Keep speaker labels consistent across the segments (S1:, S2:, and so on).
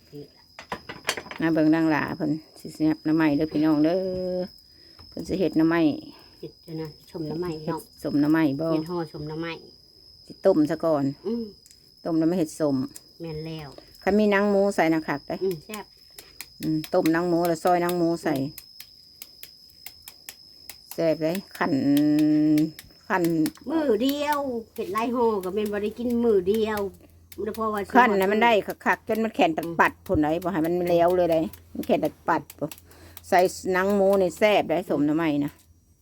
S1: มาเบิ่งดังหลาเพิ่นสิเสียบน้ำไม้เด้อพี่น้องเด้อเพิ่นสิเฮ็ดน้ำไม้
S2: เฮ็ดนะชมน้ำไม้เนาะ
S1: สมน้ำไม้บ่
S2: เฮ็ดห่อชมน้ำไม้
S1: สิต้มซะก่อนต้มแล้วไม่เฮ็ดสม
S2: แม่นแล้ว
S1: คันมีหนังหมูใส่นะคักได้
S2: แซ่บ
S1: ต้มหนังหมูแล้วซอยหนังหมูใส่แซ่บเลยขัน
S2: มือเดียวเฮ็ดหลายห่อก็แม่นบ่ได้กินมือเดียวเพราะว่า
S1: ขันน่ะมันได้คักๆจนมันแข็งปัดพุ่นไหนบ่ให้มันแล้วเลยได้มันแข็งปัดบ่ใส่หนังหมูนี่แซ่บได้สมน้ำไม้นะ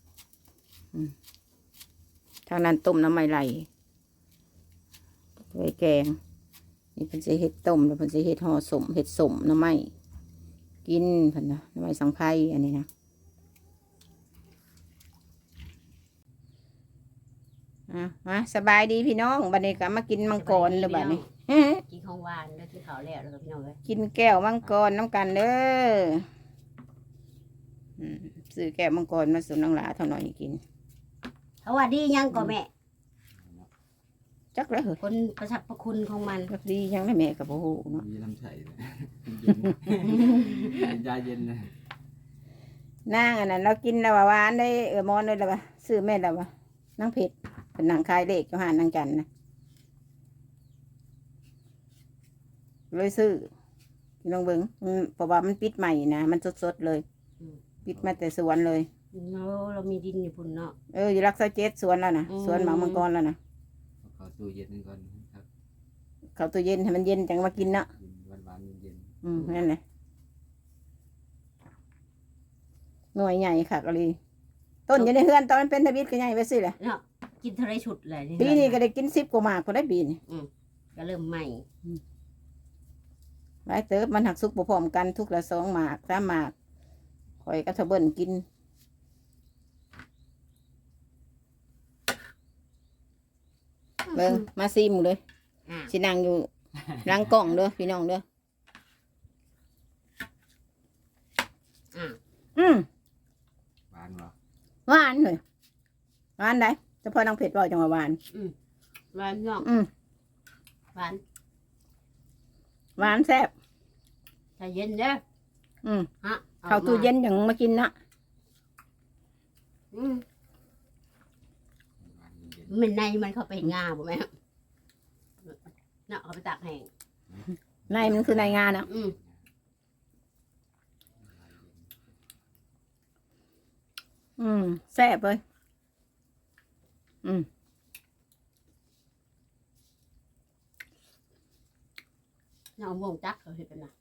S1: ทางนั้นต้มน้ำไม้ไหลไว้แกงนี่เพิ่นสิเฮ็ดต้มแล้วเพิ่นสิเฮ็ดห่อสมเฮ็ดสมน้ำไม้กินเพิ่นนะน้ำไม้สังไพรอันนี้นะมาสบายดีพี่น้องบัดนี้ก็มากินมังกรเลยบัดนี้
S2: กินของหวานแล้วกินข้าวแล้วก็พี่น้องเอ้ย
S1: กินแก้วมังกรน้ำกันเด้อซื้อแก้วมังกรมาสู่น้องหลาเท่าน้อยกิน
S2: สวัสดียังก็แม่
S1: จักแล้วเหรอ
S2: คนประสรรพคุณของมัน
S1: จักดียังได้แม่กับโอ้โหเนาะ
S3: มีน้ำใสยาเย็นนะ
S1: นางอันนั้นเรากินแล้วหวานได้มอนเลยแล้วว่าซื้อแม่แล้วว่านั่งเผ็ดเป็นนางคายเด็กเจ้าหานนางจันนะเลยซื้อลองเบิ้งเพราะว่ามันปิดใหม่นะมันสดๆเลยปิดมาแต่สวนเลย
S2: เรามีดินอยู่พุ่นเนาะ
S1: อยู่รักษาเจ็ดสวนแล้วนะสวนหมามังกรแล้วนะ
S3: เขาตู้เย็นก่อนครับ
S1: เขาตู้เย็นให้มันเย็นจังมากินเนาะ
S3: หวานเย็น
S1: นั่นแหละหน่วยใหญ่ค่ะก็เลยต้นอยู่ในเฮือนตอนมันเป็นทวิตก็ใหญ่ไปสิแหละ
S2: เนาะกินเท่าไรชุดเลย
S1: ปีนี้ก็ได้กิน10 กว่าหมากก็ได้ปีนี้
S2: ก็เริ่มใหม่
S1: ไว้เติบมันหักซุกพร้อมกันทุกละ2 หมาก3 หมากคอยก็ทะเบิ้ลกินเบิ้งมาซิมเลยสินั่งอยู่หลังกล่องเด้อพี่น้องเด้อ
S3: หวานเหรอ
S1: หวานเลยหวานได้เฉพาะนางเผ็ดบ่จังหวะหวาน
S2: หวานเนาะหวาน
S1: หวานแซ่บ
S2: ใจเย็นเด้อ
S1: เข้าตู้เย็นอย่างมากินนะ
S2: มันในมันเข้าไปงาบ่แม่เนาะเขาไปตากแห้ง
S1: ในมันคือในงานนะแซ่บเลย
S2: เนาะวงจักเขาเห็นเป็นนะ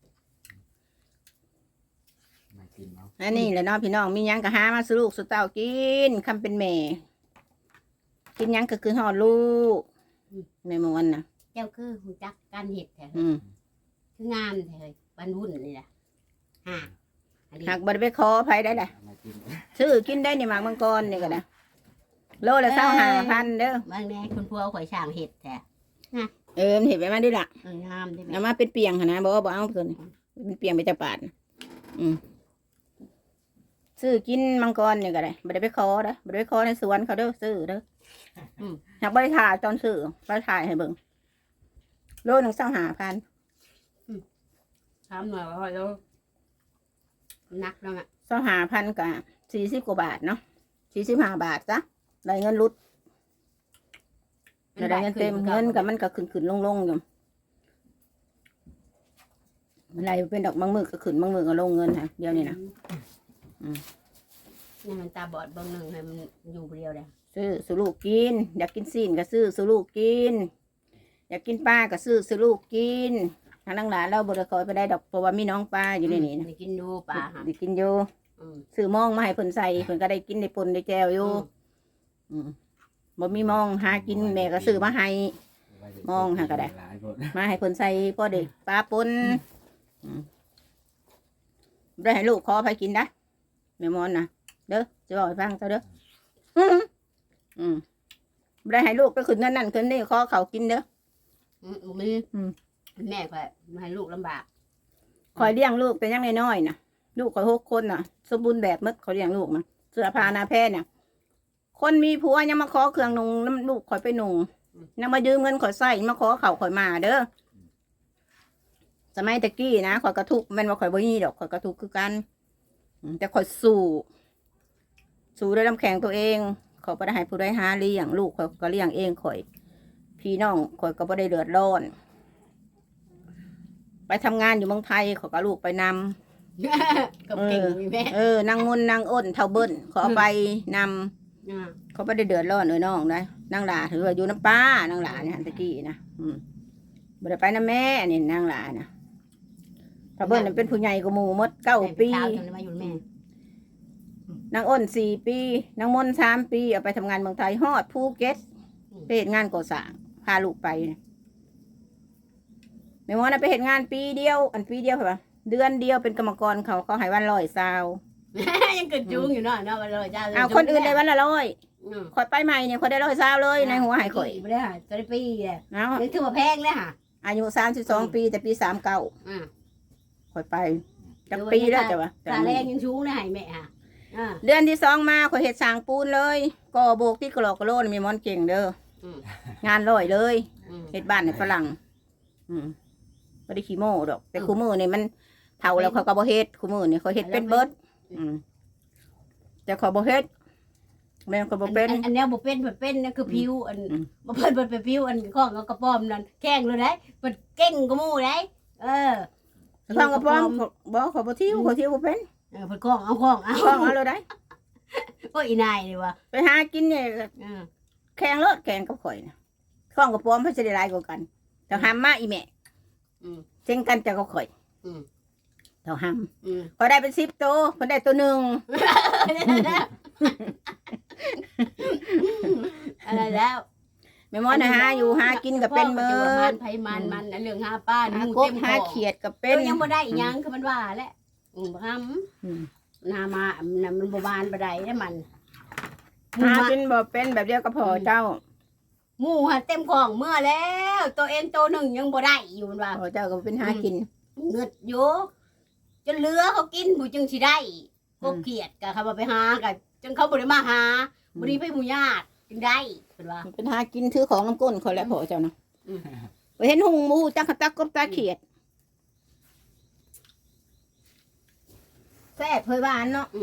S1: อันนี้แหละเนาะพี่น้องมียังก็หามาสู่ลูกสู่เต้ากินคำเป็นแม่กินยังก็คือหอดลูกในมวนนะ
S2: เจ้าคือหูจักการเห็ดแท้คืองานแท้บรรวุ่นนี่แหละ
S1: หากบริเวณคอไผได้แหละซื้อกินได้ในหมากมังกรนี่ก็ได้โลละ25,000เด้อบ
S2: างแน่คุณพัวข่อยช่างเห็ดแท้
S1: เห็ดไปมาดิล่ะ
S2: งามได้ไหม
S1: เอามาเป็นเปียงนะบอกเอาเพิ่นเป็นเปียงไปจะปาดซื้อกินมังกรนี่ก็ได้บริเวณคอเด้อบริเวณคอในสวนเขาเด้อซื้อเด้อหากบริถ่ายตอนซื้อไปถ่ายให้เบิ่งโลนึง25,000
S2: ถามหน่อยว่าแล้วนักแล้วอ่ะ
S1: 25,000กับ40 กว่าบาทเนาะ45 บาทจ้ะได้เงินรุดได้เงินเต็มเงินกับมันก็ขึ้นลงอยู่อะไรเป็นดอกบางมือก็ขึ้นบางมือก็ลงเงินค่ะเดียวนี่นะ
S2: นี่มันตาบอดบางหนึ่งให้มันอยู่เดียวเลย
S1: ซื้อสุลูกกินอยากกินซีนก็ซื้อสุลูกกินอยากกินปลาก็ซื้อสุลูกกินทางหลานเราบริคอยไปได้ดอกเพราะว่ามีน้องปลาอยู่ในนี้นะ
S2: ได้กินดูปลา
S1: ได้กินอยู่ซื้อมองมาให้เพิ่นใส่เพิ่นก็ได้กินได้ปนได้แจวอยู่บ่มีมองหากินแม่ก็ซื้อมาให้มองหาก็ได้มาให้เพิ่นใส่พอเด็กปลาปนได้ให้ลูกขอไปกินได้แม่มอนนะเด้อจะบอกให้ฟังเจ้าเด้อได้ให้ลูกไปขึ้นนั่นขึ้นนี่ขอเขากินเด้อ
S2: มีแม่ก็ให้ลูกลำบาก
S1: คอยเลี้ยงลูกแต่ยังน้อยๆนะลูกคอย6 คนน่ะสมบูรณ์แบบมดเขาเลี้ยงลูกนะเสื้อผ้าหน้าแพร่เนี่ยคนมีผัวยังมาขอเครื่องนุ่งน้ำลูกคอยไปนุ่งยังมายืมเงินคอยใส่มาขอเขาคอยมาเด้อสมัยตะกี้นะข่อยกระทุกข์แม่นว่าข่อยบ่มีดอกข่อยกระทุกข์คือกันแต่ข่อยสู้ด้วยน้ำแข็งตัวเองข่อยบ่ได้ให้ผู้ใดหาเลี้ยงลูกข่อยก็เลี้ยงเองข่อยพี่น้องข่อยก็บ่ได้เดือดร้อน ไปทำงานอยู่เมืองไทยข่อยก็ลูกไปนำ
S2: กับเก่งมีแม่
S1: นางมนต์นางอ้นเท่าเบิ้นขอไปนำเขาบ่ได้เดือดร้อนน้องนะนางหลาถือว่าอยู่น้ำป้านางหลาเนี่ยตะกี้นะบ่ได้ไปน้ำแม่นี่นางหลานะเท่าเบิ้นน่ะเป็นผู้ใหญ่กว่าหมู่หมด9 ปี
S2: มาอยู่แม่
S1: นางอ้น4 ปีนางมนต์3 ปีเอาไปทำงานเมืองไทยฮอดภูเก็ตไปเฮ็ดงานก่อสร้างพาลูกไปนะแม่หมอน่ะไปเฮ็ดงานปีเดียวปีเดียวค่ะเดือนเดียวเป็นกรรมกรเขาให้วัน120
S2: ยังเกิดจุงอยู่เนาะวันเลยจ้า
S1: เอาคนอื่นได้วันละ100ข่อยไปใหม่เนี่ยข่อยได้120เลยในหัวให้ข่อย
S2: ไม่ได้ค่ะจะได้ปีเลย
S1: เอา
S2: ยังถือว่าแพงเลยค่ะ
S1: อายุ32 ปีแต่ปี39ข่อยไปจักปีแล้วจ้ะวะ
S2: ตาแรงยังชูงเลยแม่ค่ะ
S1: เดือนที่2มาข่อยเฮ็ดสร้างปูนเลยก่อโบกที่กรอกกระโลนมีมอนเก่งเด้องานร้อยเลยเฮ็ดบ้านให้ฝรั่งบ่ได้ขี้โม้ดอกแต่คู่มือนี่มันเฒ่าแล้วเขาก็บ่เฮ็ดคู่มือนี่เขาเฮ็ดเป็นเบิดแต่เขาบ่เฮ็ดแม่นก็บ่เป็น
S2: อันนี้บ่เป็นแบบเป็นนั่นคือผิวอันบ่เพิ่นเป็นผิวอันของกระป๋อมนั่นแข้งเลยได้เพิ่นเก่งกว่าหมู่ได้
S1: ข้องกระป๋อมบ่เขาบ่ทิ้วเขาทิ้วบ่เป็น
S2: เพิ่นของเอาของเอา
S1: ข้องเอาเลยได้
S2: โอ้ยอีนายนี่ว่ะ
S1: ไปหากินเนี่ยแข่งรถแข่งกับข่อยนะข้องกระป๋อมเพิ่นสิได้หลายกว่ากันแต่ห้ามมาอีแม่เช่งกันจะก็ข่อยเท่าห้ามข่อยได้เป็น10 ตัวเพิ่นได้ตัวหนึ่ง
S2: อะไรแล้ว
S1: แม่หมอนะหาอยู่หากินก็เป็นเบิด
S2: ไผมันเรื่องหาป้า
S1: หา
S2: หมู
S1: กบ
S2: เต็ม
S1: หา
S2: คอ
S1: เขียดก็เป็
S2: เป็น นยังบ่ได้อีหยังคือมันว่าแหละบ่ทำนามามันบ่บานบ่ได้เด้มัน
S1: หากินบ่เป็นแบบเดียวก็พอเจ้า
S2: หมูหันเต็มของเมื่อแล้ว ตัวเองตัวหนึ่งยังบ่ได้อยู่มันว่า
S1: พอเจ้าก็เป็นหากิน
S2: เงือดอยู่จนเหลือเขากินผู้จึงสิได้พวกเกียดก็เขาบ่ไปหาก็จนเขาบ่ได้มาหาบ่ได้ไปหมู่ญาติจึงได้เพิ่นว่า
S1: เป็นหากินถือของน้ำก้นข่อยแล้วพอเจ้านะไปเห็นหุงหมูจักกะตักกบตาเขียดแซ่บเผยหวานเนาะ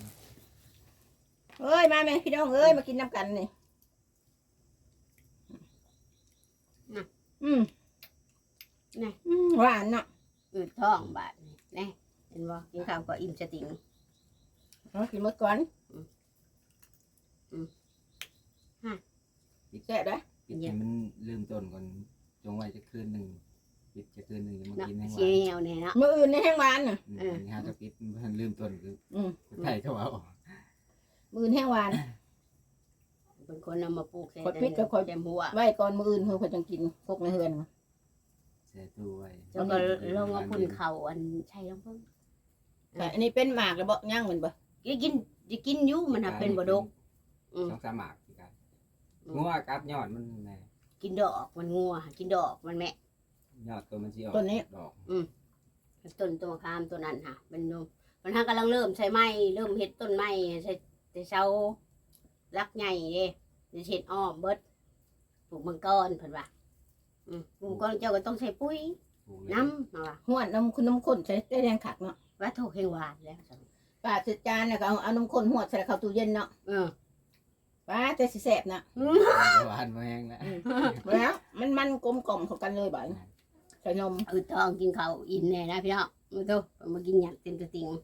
S1: เอ้ยมาแม่พี่น้องเอ้ยมากินน้ำกันนี่หวานเนาะ
S2: อืดท้องบาดนี่แน่เห็นบ่กินข้าวก็อิ่มสติง
S1: เอากินหมดก่อนแซ่บได้
S3: ปิดให้มันเริ่มต้นก่อนจงไว้จะคืนหนึ่งปิดจะคืนหนึ่งจะมา
S2: เนาะ
S3: กินให้หวา
S2: เสีย
S3: น
S2: วนี่เนาะ
S1: มื้ออื่นในแห้งหวานน่ะ
S3: นี่ฮะจะปิดมันเริ่มต้นคือไทยเขาเอา
S1: มื้ออื่นแห้งหวาน
S2: เป็นคนเอามาปลูกใส่
S1: ขดพิษกับขด
S2: เต็มหัว
S1: ไว้ก่อนมื้ออื่นเพิ่นก็จังกินพกในเฮือน
S3: เสียตู้ไว้
S2: แล้วก็ลงเอาพุ่นเขาอันใช่ลงเพิ่ง
S1: แต่อันนี้เป็นหมากแล้วบ่ย่างมันบ่
S2: กินอยู่มันเป็นบ่ดก
S3: ต้องสมัครกันงัวกัดยอดมันไง
S2: กินดอกมันงัวกินดอกมันแม่
S3: ยอดตัวมันสิออกดอก
S2: ต้นตัวมะขามตัวนั้นค่ะมันมันกำลังเริ่มใช้ไม้เริ่มเฮ็ดต้นไม้ใช้แต่เช้ารักใหญ่เด้จะเฮ็ดอ้อมเบิดปลูกมังกรเพิ่นว่าปลูกมังกรเจ้าก็ต้องใช้ปุ๋ยน้ำมาว่า
S1: ห้วนน้ำคุณน้ำข้นใช้ได้แรงขักเนาะ
S2: ว่าถูกแห่งหวานแล้ว
S1: ป้าจัดจานน่ะก็เอาน้ำข้นหวดใส่เข้าตู้เย็นเนาะป้าแต่สิแซ่บนะ
S3: หวานมาแห้งแล้ว
S1: แล้วมันกลมกล่อมเข้ากันเลยบ่ใส่นม
S2: ทองกินข้าวอิ่มแน่นะพี่น้องมาดูมากินหยักเต็มตัวติง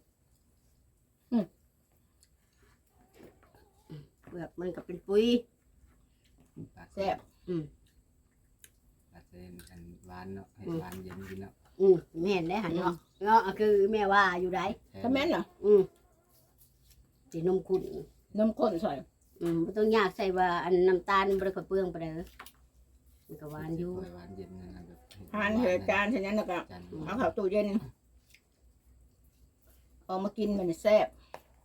S2: เปลือกมันก็เป็นปุ๋ย
S1: แซ่บ
S3: อาจจะอันหวานเนาะให้หวานเย็นกินเนาะ
S2: แม่นได้หันเนาะเนาะคือแม่ว่าอยู่ไหน
S1: ถ้าแม่นเหรอ
S2: สีนมขุ่น
S1: นมข้นใส่
S2: ไม่ต้องยากใส่ว่าอันน้ำตาลบริขเปลืองไปเลยมันก็หวานอยู่
S3: หวานเย็นนั่นแบบ
S1: ทานเหตุจานเท่านั้นแล้วก็เอาเข้าตู้เย็นเอามากินมันแซ่บ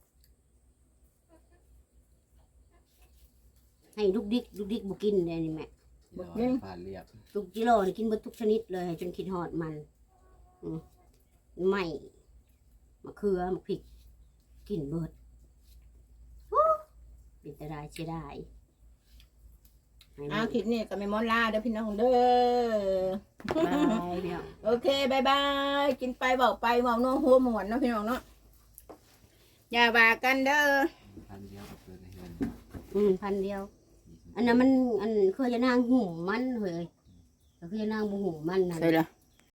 S2: ให้ลูกดิกบุกินเลยนี่แม่
S3: ผ่านเรียบ
S2: ทุกกิโลนี่กินเบิดทุกชนิดเลยจนคิดหอดมันไม่มะเขือมะพริกกินเบิดเป็นแต่ได้เสียดาย
S1: คลิปนี้ก็ไม่มอนลาเด้อพี่น้องเด้อ
S2: บายพี่น้อง
S1: โอเคบายบายกินไปบอกไปเมาโน้หัวหมวนเนาะพี่น้องเนาะอย่าว่ากันเด้อ
S3: พันเดียวกับเพื่อนในเฮือน
S2: พันเดียว อันนั้นมันเคยจะนางหูมันเฮ้ยเคยจะนางบุหูมันนั่น
S1: ใช่ละ